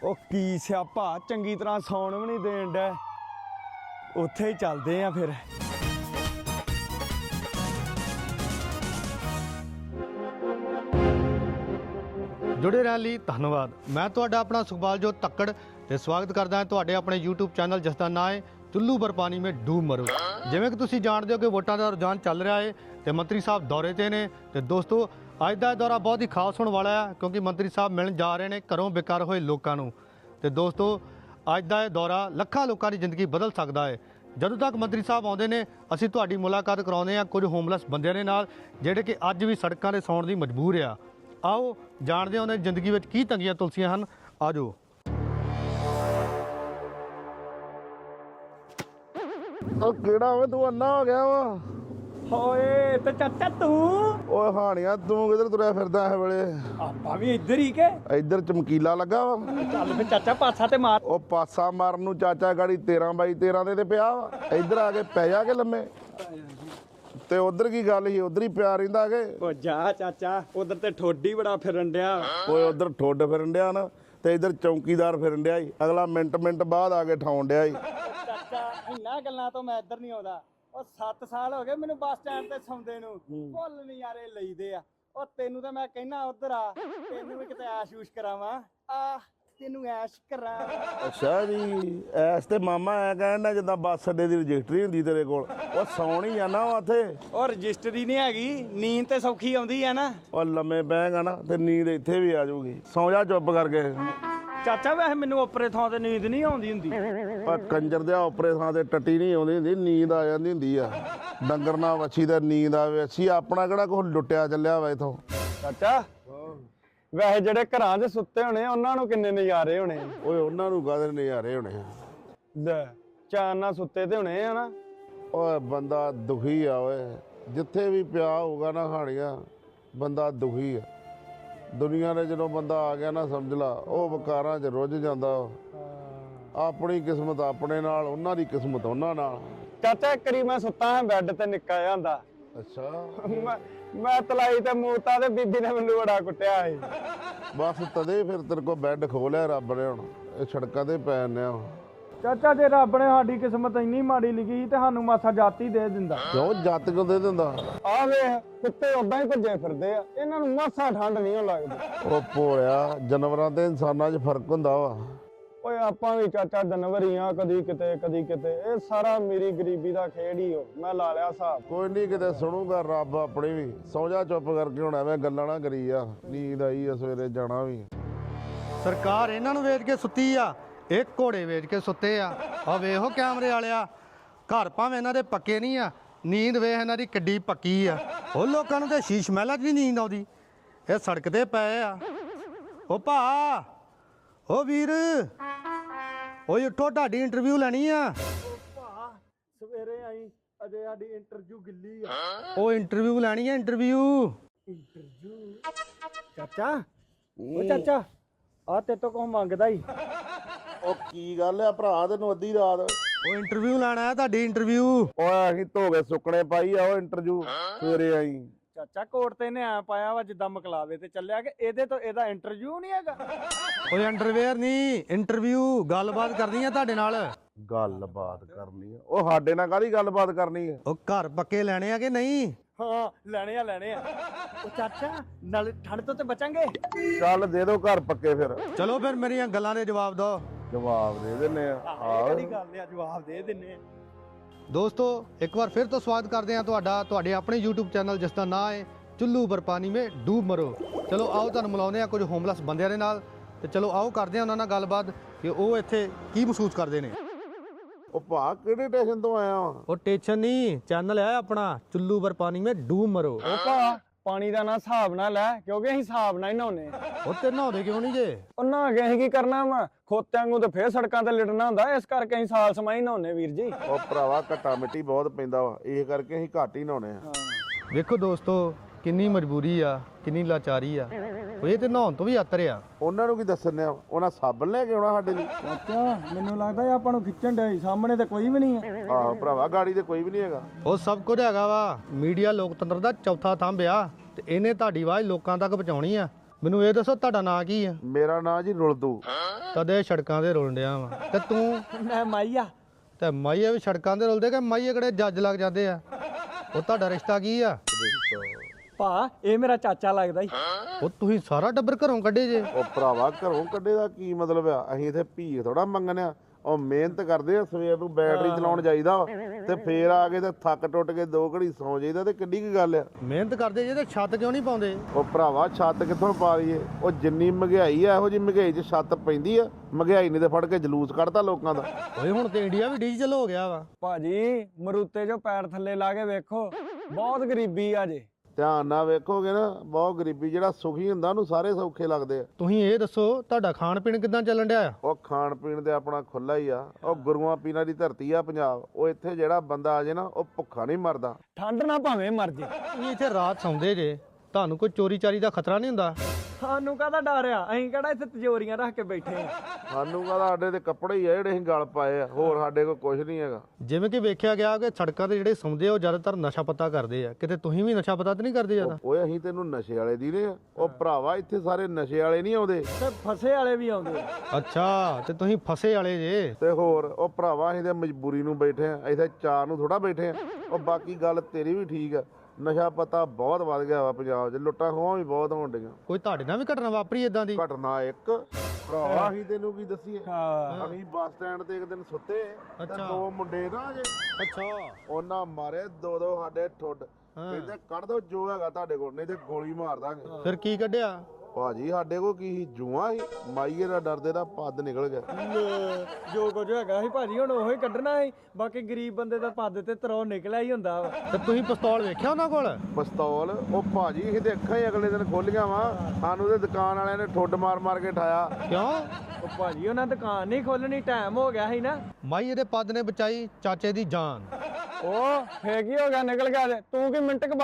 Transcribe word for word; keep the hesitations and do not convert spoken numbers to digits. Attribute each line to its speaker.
Speaker 1: ਉਹ ਕੀ ਸਿਆਪਾ ਚੰਗੀ ਤਰ੍ਹਾਂ ਸੌਣ ਵੀ ਨਹੀਂ ਦੇਣ ਡੈ। ਉੱਥੇ ਹੀ ਚੱਲਦੇ ਆ ਫਿਰ।
Speaker 2: जुड़े रहने ਲਈ ਧੰਨਵਾਦ। मैं ਤੁਹਾਡਾ ਆਪਣਾ ਸੁਖਬਾਲਜੋਤ ਤੱਕੜ ਤੇ ਸਵਾਗਤ ਕਰਦਾ ਹਾਂ ਤੁਹਾਡੇ ਆਪਣੇ YouTube ਚੈਨਲ ਜਿਸ ਦਾ ਨਾਮ ਹੈ ਚੁੱਲੂ ਪਰ ਪਾਣੀ ਮੇਂ ਡੂਬ ਮਰੋ। ਜਿਵੇਂ ਕਿ ਤੁਸੀਂ ਜਾਣਦੇ ਹੋ ਕਿ ਵੋਟਾਂ ਦਾ ਰੁਝਾਨ ਚੱਲ ਰਿਹਾ ਹੈ ਤੇ ਮੰਤਰੀ ਸਾਹਿਬ ਦੌਰੇ ਤੇ ਨੇ ਤੇ ਦੋਸਤੋ ਅੱਜ ਦਾ ਦੌਰਾ ਬਹੁਤ ਹੀ ਖਾਸ ਹੋਣ ਵਾਲਾ ਹੈ ਕਿਉਂਕਿ ਮੰਤਰੀ ਸਾਹਿਬ ਮਿਲਣ ਜਾ ਰਹੇ ਨੇ ਘਰੋਂ ਬੇਕਾਰ ਹੋਏ ਲੋਕਾਂ ਨੂੰ। ਤੇ ਦੋਸਤੋ ਅੱਜ ਦਾ ਇਹ ਦੌਰਾ ਲੱਖਾਂ ਲੋਕਾਂ ਦੀ ਜ਼ਿੰਦਗੀ ਬਦਲ ਸਕਦਾ ਹੈ। ਜਦੋਂ ਤੱਕ ਮੰਤਰੀ ਸਾਹਿਬ ਆਉਂਦੇ ਨੇ ਅਸੀਂ ਤੁਹਾਡੀ ਮੁਲਾਕਾਤ ਕਰਾਉਂਦੇ ਹਾਂ ਕੁਝ ਹੋਮਲੈਸ ਬੰਦਿਆਂ ਦੇ ਨਾਲ ਜਿਹੜੇ ਕਿ ਅੱਜ ਵੀ ਸੜਕਾਂ 'ਤੇ ਸੌਣ ਦੀ ਮਜਬੂਰ ਆ। आओ जानते हैं उन्हें जिंदगी में की तंगियां तुलसियां हैं। आ जाओ।
Speaker 3: ਉਹ ਕਿਹੜਾ ਵੇ ਤੂੰ ਅੰਨਾ ਹੋ ਗਿਆ ਵਾ
Speaker 1: ਹੋਏ ਤੇ ਚਾਚਾ ਤੂੰ
Speaker 3: ਓਏ ਹਾਣੀਆਂ ਤੂੰ ਕਿੱਧਰ ਤੁਰਿਆ ਫਿਰਦਾ ਇਹ ਵੇਲੇ
Speaker 1: ਆਪਾਂ ਵੀ ਇੱਧਰ ਹੀ ਕੇ
Speaker 3: ਇੱਧਰ ਚਮਕੀਲਾ ਲੱਗਾ ਵਾ
Speaker 1: ਚੱਲ ਫਿਰ ਚਾਚਾ ਪਾਸਾ ਤੇ ਮਾਰ।
Speaker 3: ਉਹ ਪਾਸਾ ਮਾਰਨ ਨੂੰ ਚਾਚਾ ਗਾੜੀ ਤੇਰਾਂ ਬਾਈ ਤੇਰਾਂ ਦੇ ਤੇ ਪਿਆ ਵਾ ਇੱਧਰ ਆ ਕੇ ਪੈ ਜਾ ਕੇ ਲੰਮੇ ਤੇ ਉਧਰ ਕੀ ਗੱਲ ਸੀ ਉਧਰ ਹੀ ਪਿਆ ਰਹਿੰਦਾ ਕਿ
Speaker 1: ਉਹ ਜਾ ਚਾਚਾ ਉਧਰ ਤੇ ਠੋਡੀ ਬੜਾ ਫਿਰਨ ਡਿਆ।
Speaker 3: ਓਏ ਉਧਰ ਠੁੱਡ ਫਿਰਨ ਡਿਆ ਨਾ ਤੇ ਇੱਧਰ ਚੌਂਕੀਦਾਰ ਫਿਰਨ ਡਿਆ ਸੀ ਅਗਲਾ ਮਿੰਟ ਮਿੰਟ ਬਾਅਦ ਆ ਕੇ ਠਾਉਣ ਡਿਆ ਸੀ।
Speaker 1: ਚਾਚਾ ਇੰਨਾ ਗੱਲਾਂ ਤੋਂ ਮੈਂ ਇੱਧਰ ਨਹੀਂ ਆਉਂਦਾ। ਉਹ ਸੱਤ ਸਾਲ ਹੋ ਗਏ ਮੈਨੂੰ ਬੱਸ ਸਟੈਂਡ ਤੇ ਸੌਂਦੇ ਨੂੰ ਭੁੱਲ ਨਜ਼ਾਰੇ ਲਈਦੇ ਆ। ਉਹ ਤੈਨੂੰ ਤਾਂ ਮੈਂ ਕਹਿਣਾ ਉਧਰ ਆ ਤੈਨੂੰ ਵੀ ਕਿਤੇ ਐਸ਼-ਊਸ਼ ਕਰਾਵਾਂ ਆ ਤੈਨੂੰ ਐਸ਼ ਕਰਾਂ।
Speaker 3: ਅੱਛਾ ਜੀ ਐਸ ਤੇ ਮਾਮਾ ਐ ਕਹਿੰਦਾ ਜਿੱਦਾਂ ਬੱਸ ਅੱਡੇ ਦੀ ਰਜਿਸਟਰੀ ਹੁੰਦੀ ਤੇਰੇ ਕੋਲ ਉਹ ਸੌਣ ਹੀ ਜਾਣਾ ਵਾ ਉੱਥੇ।
Speaker 1: ਉਹ ਰਜਿਸਟਰੀ ਨਹੀਂ ਹੈਗੀ ਨੀਂਦ ਤੇ ਸੌਖੀ ਆਉਂਦੀ ਆ ਨਾ।
Speaker 3: ਉਹ ਲੰਮੇ ਬਹਿਗਾ ਨਾ ਤੇ ਨੀਂਦ ਇੱਥੇ ਵੀ ਆ ਜਾਊਗੀ ਸੌਂ ਜਾ ਚੁੱਪ ਕਰਕੇ।
Speaker 1: ਚਾਚਾ ਵੈਸੇ ਮੈਨੂੰ ਓਪਰੇ ਥਾਂ ਤੇ ਨੀਂਦ ਨਹੀਂ ਆਉਂਦੀ ਹੁੰਦੀ।
Speaker 3: ਪਰ ਕੰਜਰ ਦੇ ਓਪਰੇ ਥਾਂ ਤੇ ਟੱਟੀ ਨਹੀਂ ਆਉਂਦੀ ਹੁੰਦੀ ਨੀਂਦ ਆ ਜਾਂਦੀ ਹੁੰਦੀ ਆ। ਡੰਗਰ ਨਾਲ ਵੱਛੀ ਦਾ ਨੀਂਦ ਆਵੇ ਅਸੀਂ ਆਪਣਾ ਕਿਹੜਾ ਕੁਛ ਲੁੱਟਿਆ ਚੱਲਿਆ ਵਾ ਇਥੋਂ।
Speaker 1: ਚਾਚਾ ਵੈਸੇ ਜਿਹੜੇ ਘਰਾਂ 'ਚ ਸੁੱਤੇ ਹੋਣੇ ਉਹਨਾਂ ਨੂੰ ਕਿੰਨੇ ਨਜ਼ਾਰੇ ਹੋਣੇ।
Speaker 3: ਓਏ ਉਹਨਾਂ ਨੂੰ ਕਾਹਦੇ ਨਜ਼ਾਰੇ ਹੋਣੇ
Speaker 1: ਲੈ ਚਾਨ ਨਾਲ ਸੁੱਤੇ ਤੇ ਹੋਣੇ ਆ ਨਾ।
Speaker 3: ਓਏ ਬੰਦਾ ਦੁਖੀ ਆ ਓਏ ਜਿੱਥੇ ਵੀ ਪਿਆ ਹੋਊਗਾ ਨਾ ਹਾਣੀਆਂ ਬੰਦਾ ਦੁਖੀ ਆ। ਦੁਨੀਆ ਨੇ ਜਦੋਂ ਬੰਦਾ ਆ ਗਿਆ ਨਾ ਸਮਝ ਲਾ ਉਹ ਵਿਕਾਰਾਂ 'ਚ ਰੁੱਝ ਜਾਂਦਾ। ਆਪਣੀ ਕਿਸਮਤ ਆਪਣੇ ਨਾਲ ਉਹਨਾਂ ਦੀ ਕਿਸਮਤ ਉਹਨਾਂ ਨਾਲ।
Speaker 1: ਚਾਚਾ ਇੱਕ ਵਾਰੀ ਮੈਂ ਸੁੱਤਾ ਹਾਂ ਬੈੱਡ ਤੇ ਨਿੱਕਾ ਜਿਹਾ ਹੁੰਦਾ।
Speaker 3: ਅੱਛਾ
Speaker 1: ਮੈਂ ਮੈਂ ਤਲਾਈ ਤੇ ਮੂਤਾ ਤੇ ਬੀਬੀ ਨੇ ਮੈਨੂੰ ਬੜਾ ਕੁੱਟਿਆ ਸੀ।
Speaker 3: ਬਸ ਤਦੇ ਫਿਰ ਤੇਰੇ ਕੋਲ ਬੈੱਡ ਖੋਲਿਆ ਰੱਬ ਨੇ ਹੁਣ ਇਹ ਸੜਕਾਂ ਤੇ ਪੈ ਨੇ।
Speaker 1: ਚਾਚਾ ਜੇ ਰੱਬ ਨੇ ਸਾਡੀ ਕਿਸਮਤ ਇੰਨੀ ਮਾੜੀ ਲਿਖੀ ਸੀ ਤੇ ਸਾਨੂੰ ਮਾਸਾ ਜਾਤੀ ਦੇ ਦਿੰਦਾ।
Speaker 3: ਕਿਉਂ ਜੱਤ ਕਿਉਂ ਦੇ ਦਿੰਦਾ?
Speaker 1: ਆ ਵੇਖ ਕੁੱਤੇ ਉਦਾਂ ਹੀ ਭੱਜੇ ਫਿਰਦੇ ਆ ਇਹਨਾਂ ਨੂੰ ਮਾਸਾ ਠੰਡ ਨਹੀਂ ਲੱਗਦੀ।
Speaker 3: ਉਹ ਭੋਲਿਆ ਜਾਨਵਰਾਂ ਤੇ ਇਨਸਾਨਾਂ 'ਚ ਫਰਕ ਹੁੰਦਾ ਵਾ।
Speaker 1: ਓਏ ਆਪਾਂ ਵੀ ਚਾਚਾ ਜਾਨਵਰ ਹੀ ਆ ਕਦੀ ਕਿਤੇ ਕਦੀ ਕਿਤੇ ਇਹ ਸਾਰਾ ਮੇਰੀ ਗਰੀਬੀ ਦਾ ਖੇਡ ਹੀ ਹੋ ਮੈਂ ਲਾ ਲਿਆ ਹਿਸਾਬ।
Speaker 3: ਕੋਈ ਨਹੀਂ ਕਿਤੇ ਸੁਣੂਗਾ ਰੱਬ ਆਪਣੀ ਵੀ। ਸੌ ਜਾ ਚੁੱਪ ਕਰਕੇ ਹੁਣ ਐਵੇਂ ਗੱਲਾਂ ਨਾ ਕਰੀ ਆ ਨੀਂਦ ਆਈ ਆ ਸਵੇਰੇ ਜਾਣਾ ਵੀ।
Speaker 2: ਸਰਕਾਰ ਇਹਨਾਂ ਨੂੰ ਵੇਚ ਕੇ ਸੁੱਤੀ ਆ ਇਹ ਘੋੜੇ ਵੇਚ ਕੇ ਸੁੱਤੇ ਆ। ਆ ਵੇਖੋ ਕੈਮਰੇ ਵਾਲਿਆ ਘਰ ਭਾਵੇਂ ਇਹਨਾਂ ਦੇ ਪੱਕੇ ਨਹੀਂ ਆ ਨੀਂਦ ਵੇਖ ਇਹਨਾਂ ਦੀ ਕਿੱਡੀ ਪੱਕੀ ਆ। ਉਹ ਲੋਕਾਂ ਨੂੰ ਤੇ ਸ਼ੀਸ਼ ਮਹਿਲਾਂ 'ਚ ਵੀ ਨੀਂਦ ਆਉਂਦੀ ਇਹ ਸੜਕ ਤੇ ਪਏ ਆ। ਉਹ ਭਾ ਉਹ ਵੀਰ ਓਏ ਉੱਠੋ ਤੁਹਾਡੀ ਇੰਟਰਵਿਊ ਲੈਣੀ ਆ।
Speaker 1: ਭਾ ਸਵੇਰੇ ਆਈ ਅਜੇ ਸਾਡੀ ਇੰਟਰਵਿਊ ਗਿੱਲੀ ਆ।
Speaker 2: ਉਹ ਇੰਟਰਵਿਊ ਲੈਣੀ ਆ ਇੰਟਰਵਿਊ।
Speaker 1: ਇੰਟਰਵਿਊ ਚਾਚਾ ਉਹ ਚਾਚਾ ਆ ਤੇ ਤੋਂ ਕੋ ਮੰਗਦਾ ਹੀ।
Speaker 3: ਉਹ ਕੀ ਗੱਲ ਆ ਭਰਾ ਤੈਨੂੰ ਅੱਧੀ ਰਾਤ?
Speaker 2: ਉਹ ਇੰਟਰਵਿਊ ਲੈਣਾ ਹੈ ਤੁਹਾਡੀ ਇੰਟਰਵਿਊ।
Speaker 3: ਓਏ ਅਸੀਂ ਧੋ ਕੇ ਸੁੱਕਣੇ ਪਾਈ ਆ ਉਹ ਇੰਟਰਵਿਊ ਸਵੇਰੇ ਆਈ।
Speaker 1: ਚਾਚਾ ਕੋਟ ਤੇ ਨੇ ਆ ਪਾਇਆ ਵਾ ਜਿੱਦਾਂ ਮਕਲਾਵੇ ਤੇ ਚੱਲਿਆ ਕਿ ਇਹਦੇ ਤੋਂ ਇਹਦਾ ਇੰਟਰਵਿਊ ਨਹੀਂ ਹੈਗਾ।
Speaker 2: ਓਏ ਅੰਡਰਵੇਅਰ ਨਹੀਂ ਇੰਟਰਵਿਊ ਗੱਲਬਾਤ ਕਰਨੀ ਆ ਤੁਹਾਡੇ ਨਾਲ।
Speaker 3: ਗੱਲਬਾਤ ਕਰਨੀ ਆ? ਉਹ ਸਾਡੇ ਨਾਲ ਕਾਹਦੀ ਗੱਲਬਾਤ ਕਰਨੀ ਆ?
Speaker 2: ਉਹ ਘਰ ਪੱਕੇ ਲੈਣੇ ਆ ਕਿ ਨਹੀਂ?
Speaker 1: ਹਾਂ ਲੈਣੇ ਆ ਲੈਣੇ ਆ। ਉਹ ਚਾਚਾ ਨਾਲ ਠੰਡ ਤੋਂ ਤੇ ਬਚਾਂਗੇ।
Speaker 3: ਚੱਲ ਦੇ ਦੋ ਘਰ ਪੱਕੇ ਫਿਰ।
Speaker 2: ਚਲੋ ਫਿਰ ਮੇਰੀਆਂ ਗੱਲਾਂ ਦੇ ਜਵਾਬ ਦਿਓ।
Speaker 3: ਜਵਾਬ ਦੇ ਦਿੰਨੇ ਆ।
Speaker 1: ਆਹ ਕਿਹੜੀ ਗੱਲ ਆ ਜਵਾਬ ਦੇ ਦਿੰਨੇ ਆ।
Speaker 2: ਦੋਸਤੋ ਇੱਕ ਵਾਰ ਫਿਰ ਤੋਂ ਸਵਾਗਤ ਕਰਦੇ ਹਾਂ ਤੁਹਾਡਾ ਤੁਹਾਡੇ ਆਪਣੇ YouTube ਚੈਨਲ ਜਿਸ ਦਾ ਨਾਮ ਹੈ ਚੁੱਲੂ ਪਰ ਪਾਣੀ ਮੇਂ ਡੂਬ ਮਰੋ। ਚਲੋ ਆਓ ਤੁਹਾਨੂੰ ਮਿਲਾਉਂਦੇ ਆ ਕੁਝ ਹੋਮਲੈਸ ਬੰਦਿਆਂ ਦੇ ਨਾਲ ਤੇ ਚਲੋ ਆਓ ਕਰਦੇ ਆ ਉਹਨਾਂ ਨਾਲ ਗੱਲਬਾਤ ਕਿ ਉਹ ਇੱਥੇ ਕੀ ਮਹਿਸੂਸ ਕਰਦੇ ਨੇ।
Speaker 3: ਉਹ ਭਾ ਕਿਹੜੇ ਸਟੇਸ਼ਨ ਤੋਂ ਆਇਆ ਵਾ?
Speaker 2: ਉਹ ਟੈਨਸ਼ਨ ਨਹੀਂ ਚੈਨਲ ਹੈ ਆਪਣਾ ਚੁੱਲੂ ਪਰ ਪਾਣੀ ਮੇਂ ਡੂਬ ਮਰੋ।
Speaker 1: ਉਹ ਭਾ ਪਾਣੀ ਦਾ ਨਾ ਹਿਸਾਬ ਨਾਲ ਲੈ ਕਿਉਂਕਿ ਅਸੀਂ ਹਿਸਾਬ ਨਾਲ ਹੀ ਨਹਾਉਨੇ।
Speaker 2: ਉਹ ਤੇ ਨਹਾਉਂਦੇ ਕਿਉਂ ਨਹੀਂ ਜੇ?
Speaker 1: ਉਹ ਨਹਾ ਕੇ ਅਸੀਂ ਕੀ ਕਰਨਾ ਵਾ ਖੋਤਿਆਂ ਨੂੰ ਤੇ ਫੇਰ ਸੜਕਾਂ ਤੇ ਲਿਟਣਾ ਹੁੰਦਾ ਇਸ ਕਰਕੇ ਅਸੀਂ ਸਾਲ ਸਮਾਈ ਨਹਾਉਨੇ ਵੀਰ ਜੀ।
Speaker 3: ਉਹ ਭਰਾਵਾ ਘੱਟਾ ਮਿੱਟੀ ਬਹੁਤ ਪੈਂਦਾ ਵਾ ਇਹ ਕਰਕੇ ਅਸੀਂ ਘੱਟ ਹੀ ਨਹਾਉਨੇ ਆ।
Speaker 2: ਵੇਖੋ ਦੋਸਤੋ ਕਿੰਨੀ ਮਜਬੂਰੀ ਆ ਕਿੰਨੀ ਲਾਚਾਰੀ ਆ। ਉਹ ਇਹ ਤੇ ਨਹਾਉਣ ਤੋਂ ਵੀ ਆਤਰ ਆ।
Speaker 3: ਉਹਨਾਂ ਨੂੰ ਕੀ ਦੱਸਣੇ ਆ ਉਹਨਾਂ ਸਾਬਣ ਲੈ ਕੇ ਆਉਣਾ ਸਾਡੇ ਲਈ।
Speaker 1: ਚਾਚਾ ਮੈਨੂੰ ਲੱਗਦਾ ਆਪਾਂ ਨੂੰ ਖਿੱਚਣ ਡਿਆ ਸਾਹਮਣੇ ਤੇ ਕੋਈ ਵੀ ਨਹੀਂ ਹੈ।
Speaker 3: ਆਹੋ ਭਰਾਵਾ ਗਾੜੀ ਤੇ ਕੋਈ ਵੀ ਨਹੀਂ ਹੈਗਾ।
Speaker 2: ਉਹ ਸਭ ਕੁਝ ਹੈਗਾ ਵਾ ਮੀਡੀਆ ਲੋਕਤੰਤਰ ਦਾ ਚੌਥਾ ਥੰਬ ਆ ਤੇ ਇਹਨੇ ਤੁਹਾਡੀ ਆਵਾਜ਼ ਲੋਕਾਂ ਤੱਕ ਪਹੁੰਚਾਉਣੀ ਆ। ਮੈਨੂੰ ਇਹ ਦੱਸੋ ਤੁਹਾਡਾ ਨਾਂ ਕੀ ਆ?
Speaker 3: ਮੇਰਾ ਨਾਂ ਜੀ ਰੁਲਦੂ।
Speaker 2: ਕਦੇ ਸੜਕਾਂ ਤੇ ਰੁਲਣ ਡਿਆ ਵਾ ਤੇ ਤੂੰ?
Speaker 1: ਮੈਂ ਮਾਈਆ।
Speaker 2: ਤੇ ਮਾਈਏ ਵੀ ਸੜਕਾਂ ਤੇ ਰੁਲਦੇ ਕਿ ਮਾਈਏ ਕਿਹੜੇ ਜੱਜ ਲੱਗ ਜਾਂਦੇ ਆ? ਉਹ ਤੁਹਾਡਾ ਰਿਸ਼ਤਾ ਕੀ ਆ?
Speaker 1: ਭਾ ਇਹ ਮੇਰਾ ਚਾਚਾ ਲੱਗਦਾ ਈ।
Speaker 2: ਉਹ ਤੁਸੀਂ ਸਾਰਾ ਟੱਬਰ ਘਰੋਂ ਕੱਢੇ ਜੇ?
Speaker 3: ਉਹ ਭਰਾਵਾ ਘਰੋਂ ਕੱਢੇ ਦਾ ਕੀ ਮਤਲਬ ਆ? ਅਸੀਂ ਇੱਥੇ ਭੀਖ ਥੋੜਾ ਮੰਗਣਿਆ। ਉਹ ਮਿਹਨਤ ਕਰਦੇ ਆ, ਸਵੇਰ ਨੂੰ ਬੈਟਰੀ ਚਲਾਉਣ ਜਾਈਦਾ ਵਾ ਤੇ ਫੇਰ ਆ ਕੇ ਤੇ ਥੱਕ ਟੁੱਟ ਕੇ ਦੋ ਘੜੀ ਸੌਂ ਜਾਈਦਾ ਤੇ ਕਿੱਡੀ ਕੀ ਗੱਲ ਆ?
Speaker 2: ਮਿਹਨਤ ਕਰਦੇ ਜੇ ਤੇ ਛੱਤ ਕਿਉਂ ਨਹੀਂ ਪਾਉਂਦੇ?
Speaker 3: ਉਹ ਭਰਾਵਾ ਛੱਤ ਕਿੱਥੋਂ ਪਾ ਲਈਏ? ਉਹ ਜਿੰਨੀ ਮਹਿੰਗਾਈ ਆ ਇਹੋ ਜੀ ਮਹਿੰਗਾਈ 'ਚ ਛੱਤ ਪੈਂਦੀ ਆ। ਮਹਿੰਗਾਈ ਨੇ ਤੇ ਫੜ ਕੇ ਜਲੂਸ ਕੱਢਤਾ ਲੋਕਾਂ ਦਾ।
Speaker 2: ਓਏ ਹੁਣ ਤੇ ਇੰਡੀਆ ਵੀ ਡਿਜੀਟਲ ਹੋ ਗਿਆ ਵਾ।
Speaker 1: ਭਾਜੀ ਮਰੂਤੇ ਜੋ ਪੈਰ ਥੱਲੇ ਲਾ ਕੇ ਵੇਖੋ, ਬਹੁਤ ਗਰੀਬੀ ਆ ਜੇ।
Speaker 3: ਧਿਆਨ ਨਾਲ ਵੇਖੋਗੇ ਨਾ, ਬਹੁਤ ਗਰੀਬੀ। ਜਿਹੜਾ ਸੁਖੀ ਹੁੰਦਾ ਉਹਨੂੰ ਸਾਰੇ ਸੌਖੇ ਲੱਗਦੇ ਆ।
Speaker 2: ਤੁਸੀਂ ਇਹ ਦੱਸੋ ਤੁਹਾਡਾ ਖਾਣ ਪੀਣ ਕਿਦਾਂ ਚੱਲਣ ਡਿਆ ਆ?
Speaker 3: ਉਹ ਖਾਣ ਪੀਣ ਦੇ ਆਪਣਾ ਖੁੱਲਾ ਹੀ ਆ। ਉਹ ਗੁਰੂਆਂ ਪੀਰਾਂ ਦੀ ਧਰਤੀ ਆ ਪੰਜਾਬ। ਉਹ ਇੱਥੇ ਜਿਹੜਾ ਬੰਦਾ ਆ ਜੇ ਨਾ ਉਹ ਭੁੱਖਾ ਨਹੀਂ ਮਰਦਾ।
Speaker 1: ਠੰਡ ਨਾ ਭਾਵੇਂ ਮਰ ਜੇ।
Speaker 2: ਤੁਸੀਂ ਇੱਥੇ ਰਾਤ ਸੌਂਦੇ ਜੇ, ਤੁਹਾਨੂੰ ਕੋਈ ਚੋਰੀ ਚਾਰੀ ਦਾ ਖਤਰਾ ਨਹੀਂ ਹੁੰਦਾ?
Speaker 1: ਸਾਨੂੰ ਕਾਹਦਾ ਡਰ ਆ? ਅਸੀਂ ਕਿਹੜਾ ਇੱਥੇ ਤਿਜੋਰੀਆਂ ਰੱਖ ਕੇ ਬੈਠੇ ਆ।
Speaker 3: ਸਾਨੂੰ ਕਹਿੰਦਾ ਸਾਡੇ ਤੇ ਕੱਪੜੇ ਹੀ ਆ ਜਿਹੜੇ ਅਸੀਂ ਗਲ ਪਾਏ ਆ, ਹੋਰ ਸਾਡੇ ਕੋਲ ਕੁਝ ਨਹੀਂ ਹੈਗਾ।
Speaker 2: ਜਿਵੇਂ ਕਿ ਵੇਖਿਆ ਗਿਆ ਕਿ ਸੜਕਾਂ ਤੇ ਜਿਹੜੇ ਸੌਂਦੇ ਆ ਉਹ ਜ਼ਿਆਦਾਤਰ ਨਸ਼ਾ ਪੱਤਾ ਕਰਦੇ ਆ। ਕਿਤੇ ਤੁਸੀਂ ਵੀ ਨਸ਼ਾ ਪੱਤਾ ਤੇ ਨਹੀਂ ਕਰਦੇ ਜ਼ਿਆਦਾ?
Speaker 3: ਓਏ ਅਸੀਂ ਤੈਨੂੰ ਨਸ਼ੇ ਵਾਲੇ ਦੀ ਨੇ ਆ। ਉਹ ਭਰਾਵਾ ਇੱਥੇ ਸਾਰੇ ਨਸ਼ੇ ਵਾਲੇ ਨਹੀਂ ਆਉਂਦੇ
Speaker 1: ਤੇ ਫਸੇ ਵਾਲੇ ਵੀ ਆਉਂਦੇ ਆ।
Speaker 2: ਅੱਛਾ, ਤੇ ਤੁਸੀਂ ਫਸੇ ਵਾਲੇ ਜੇ?
Speaker 3: ਤੇ ਹੋਰ ਉਹ ਭਰਾਵਾ ਅਸੀਂ ਤੇ ਮਜਬੂਰੀ ਨੂੰ ਬੈਠੇ ਆ, ਇੱਥੇ ਚਾਰ ਨੂੰ ਥੋੜਾ ਬੈਠੇ ਆ। ਉਹ ਬਾਕੀ ਗੱਲ ਤੇਰੀ ਵੀ ਠੀਕ ਆ, ਨਸ਼ਾ ਪਤਾ ਬਹੁਤ ਵੱਧ ਗਿਆ ਵਾ ਪੰਜਾਬ 'ਚ। ਲੁੱਟਾਂ ਖੋਹਾਂ ਵੀ ਬਹੁਤ ਹੋਣ ਡੀਆਂ।
Speaker 2: ਕੋਈ ਤੁਹਾਡੇ ਨਾਲ ਵੀ ਘਟਨਾ ਵਾਪਰੀ ਇਦਾਂ ਦੀ?
Speaker 3: ਘਟਨਾ ਇੱਕ ਭਰਾਵਾ ਅਸੀਂ ਤੈਨੂੰ ਕੀ ਦੱਸੀਏ।
Speaker 1: ਹਾਂ
Speaker 3: ਅਸੀਂ ਬੱਸ ਸਟੈਂਡ ਤੇ ਇੱਕ ਦਿਨ ਸੁੱਤੇ ਤੇ
Speaker 2: ਅੱਛਾ।
Speaker 3: ਦੋ ਮੁੰਡੇ ਨਾ ਜੇ
Speaker 2: ਅੱਛਾ।
Speaker 3: ਉਹਨਾਂ ਮਾਰੇ ਦੋ ਦੋ ਸਾਡੇ ਠੁੱਡ। ਕਹਿੰਦੇ ਕੱਢ ਦੋ ਜੋ ਹੈਗਾ ਤੁਹਾਡੇ ਕੋਲ, ਨਹੀਂ ਤੇ ਗੋਲੀ ਮਾਰ ਦਾਂਗੇ।
Speaker 2: ਫਿਰ ਕੀ ਕੱਢਿਆ?
Speaker 3: ਭਾਜੀ ਸਾਡੇ ਕੋਲ ਕੀ ਸੀ? ਜੂਆਂ ਸੀ। ਮਾਈਏ ਦਾ ਡਰਦੇ ਦਾ ਪੱਦ ਨਿਕਲ ਗਿਆ।
Speaker 1: ਜੋ ਕੁਝ ਹੈਗਾ ਸੀ ਭਾਜੀ ਹੁਣ ਉਹੀ ਕੱਢਣਾ ਸੀ। ਬਾਕੀ ਗਰੀਬ ਬੰਦੇ ਦਾ ਪੱਦ ਤੇ ਤਰੋ ਨਿਕਲਿਆ ਹੀ ਹੁੰਦਾ ਵਾ।
Speaker 2: ਤੇ ਤੁਸੀਂ ਪਿਸਤੌਲ ਵੇਖਿਆ ਉਹਨਾਂ ਕੋਲ?
Speaker 3: ਪਿਸਤੌਲ? ਉਹ ਭਾਜੀ ਅਸੀਂ ਤੇ ਅੱਖਾਂ ਹੀ ਅਗਲੇ ਦਿਨ ਖੋਲੀਆਂ ਵਾ। ਸਾਨੂੰ ਤੇ ਦੁਕਾਨ ਵਾਲਿਆਂ ਨੇ ਠੁੱਡ ਮਾਰ ਮਾਰ ਕੇ ਠਾਇਆ।
Speaker 2: ਕਿਉਂ?
Speaker 1: ਉਹ ਭਾਜੀ ਉਹਨਾਂ ਦੁਕਾਨ ਨਹੀਂ ਖੋਲਣੀ, ਟਾਈਮ ਹੋ ਗਿਆ ਸੀ ਨਾ।
Speaker 2: ਮਾਈ ਇਹਦੇ ਪੱਦ ਨੇ ਬਚਾਈ ਚਾਚੇ ਦੀ ਜਾਨ।
Speaker 1: ਉਹ ਫੇਕ ਹੀ ਹੋ ਗਿਆ, ਨਿਕਲ ਗਿਆ। ਤੂੰ ਕੀ ਮਿੰਟ ਕੁ